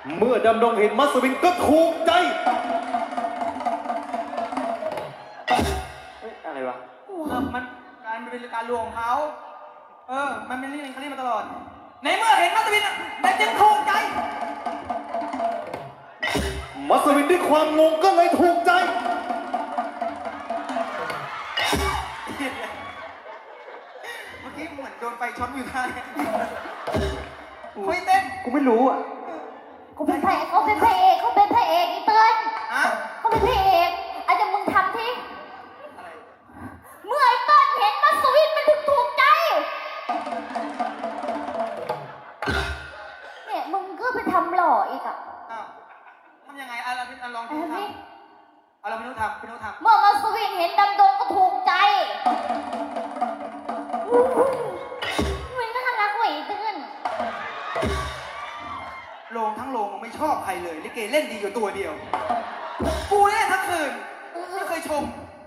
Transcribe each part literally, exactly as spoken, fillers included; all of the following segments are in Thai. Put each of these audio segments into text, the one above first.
เมื่อดำดงเห็นมัสวินก็ถูกใจเฮ้ยอะไรวะเออมันการมันเป็นการลวงของเขาเออมันเป็นเรื่องเขาเรียกมาตลอดในเมื่อเห็นมัสวินแต่จึงถูกใจมัสวินด้วยความงงก็เลยถูกใจเมื่อกี้เหมือนโดนไฟช็อตอยู่ท่าเนี่ยคุยเต้นกูไม่รู้อ่ะเขาเป็นพระเอกเขาเป็นพระเอกเขาเป็นพระเอกอีเติ้ลฮะเขาเป็นพระเอกอาจจะมึงทำที่เมื่อไอ้เติ้ลเห็นมัสวินมันถึงถูกใจเนี่ยมึงก็ไปทำหล่ออีกอ่ะอ้าวทำยังไงอ่ะเราเป็นลองดูทำเอาเราไม่รู้ทำไม่รู้ทำเมื่อมัสวินเห็นดำดงก็ถูกใจมันน่ารักกว่าอีเติ้ลโรงทั้งโรงไม่ชอบใครเลยลิเกเล่นดีอยู่ตัวเดียวกูเล่นทั้งคืนไม่เคยชม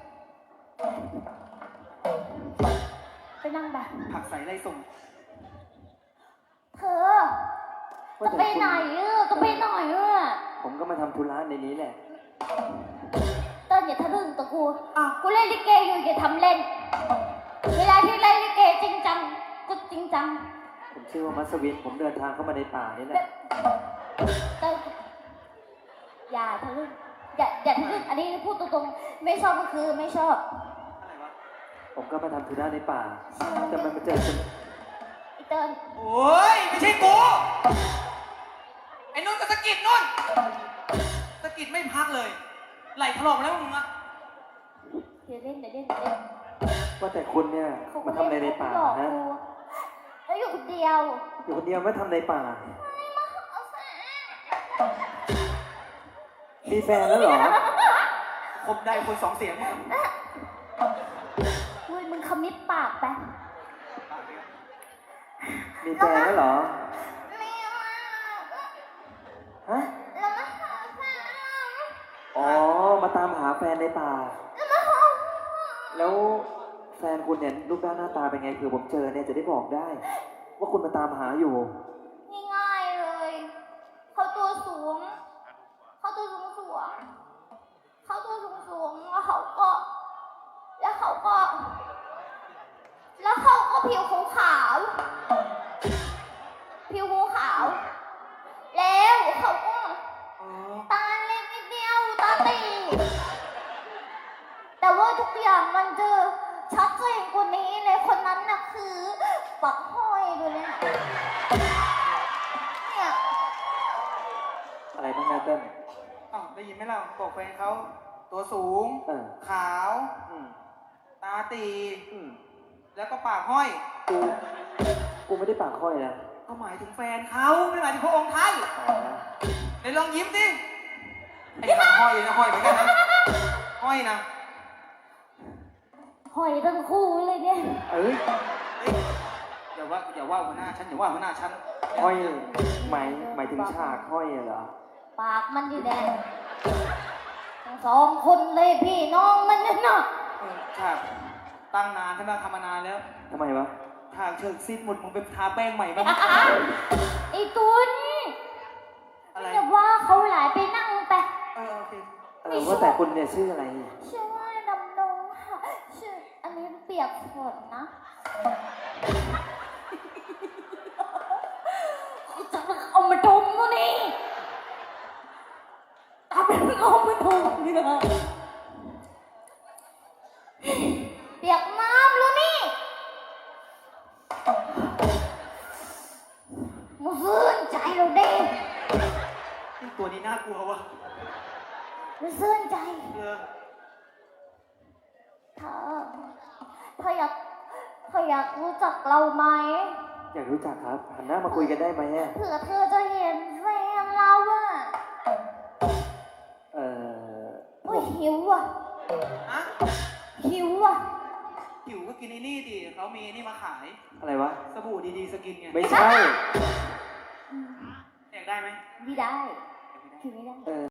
ไปนั่งแบบผักใส่ไรส่งเธอจะไปไหนเออจะไปไหนเออผมก็มาทำธุระในนี้แหละเติ้ลอย่าทะลึ่งตัวกูอ่ะกูเล่นลิเกอยู่อย่าทำเล่นเวลาที่เล่นลิเกจริงจังก็จริงจังผมชื่อว่ามัสวินผมเดินทางเข้ามาในป่านี่แหละเติ้ลอย่าทะลึ่งอย่าอย่าทะลึ่งอันนี้พูดตรงๆไม่ชอบก็คือไม่ชอบอะไรวะผมก็มาทำธุระในป่าแต่มันมาเจอกันไอ้เติ้ลโอ้ยไม่ใช่กูไอ้นุ่นก็สะกิดนุ่นสะกิดไม่พักเลยไหลถลอกแล้วมึงอะเดี๋ยวเล่นเดี๋ยวเล่นเดี๋ยวเล่นว่าแต่คุณเนี่ยมาทำอะไรในป่าฮะแล้วอยู่คนเดียวอยู่คนเดียวไม่ทำในป่ามีแฟนแล้วเหรอคบได้คนสองเสียงเฮ้ยมึงขมิบปากไปมีแฟนแล้วเหรอฮะอ๋อมาตามหาแฟนในป่าแล้วแฟนคุณเนี่ยรูปร่างหน้าตาเป็นไงคือผมเจอเนี่ยจะได้บอกได้ว่าคุณมาตามหาอยู่ง่ายๆเลยเขาตัวสูงเขาตัวสูงสูงเขาตัวสูงสูงแล้วเขาก็แล้วเขาก็แล้วเขาก็ผิวขาวผิวขาวแล้วเขาก็ตาเล็กนิดเดียวตาตีแต่ว่าทุกอย่างมันจะชัดเจนกว่านี้เลยคนนั้นน่ะคือปักห้อยดูเลยเนี่ยอะไรบ้างนะเต้นอ๋อได้ยินไหมล่ะบอกแฟนเขาตัวสูงขาวตาตีแล้วก็ปากห้อยกูกูไม่ได้ปากห้อยนะก็หมายถึงแฟนเขาไม่หมายถึงพระองค์ท่านเดี๋ยวลองยิ้มดิไอ้ปากห้อยนะห้อยเหมือนกันนะห้อยนะห้อยทั้งคู่เลยเนี่ยเอ้ยอย่าว่าอย่าว่าหัวหน้าฉันอย่าว่าหัวหน้าฉันห้อยหมายหมายถึงฉากห้อยเหรอปากมันดีแดงทั้งสองคนเลยพี่น้องมันนั่นน่ะฉากตั้งนานใช่ไหมทำมานานแล้วทำไมวะฉากเชิงซีดหมดมึงไปทาแป้งใหม่บ้างไอ้ตุนอะไรจะว่าเขาหลายไปนั่งไปเออโอเคเออว่าแต่คุณเนี่ยชื่ออะไรชื่อว่าดำดงค่ะชื่ออันนี้เปียกฝนนะจะเอามาดมวะนี่เอาไปเอามาดมนี่นะเปียกน้ำรู้นี่มาฟื้นใจเราดิตัวนี้น่ากลัววะมาฟื้นใจเออเธอเธออยากเธออยากรู้จักเราไหมอยากรู้จักครับหันหน้ามาคุยกันได้ไหมเผื่อเธอจะเห็นแฟนเราอะเออโอ้ยหิวอ่ะฮะหิวอ่ะหิวก็กินนี่ดิเขามีนี่มาขายอะไรวะสบู่ดีๆสกินไงไม่ใช่อยากได้ไหมไม่ได้กินไม่ได้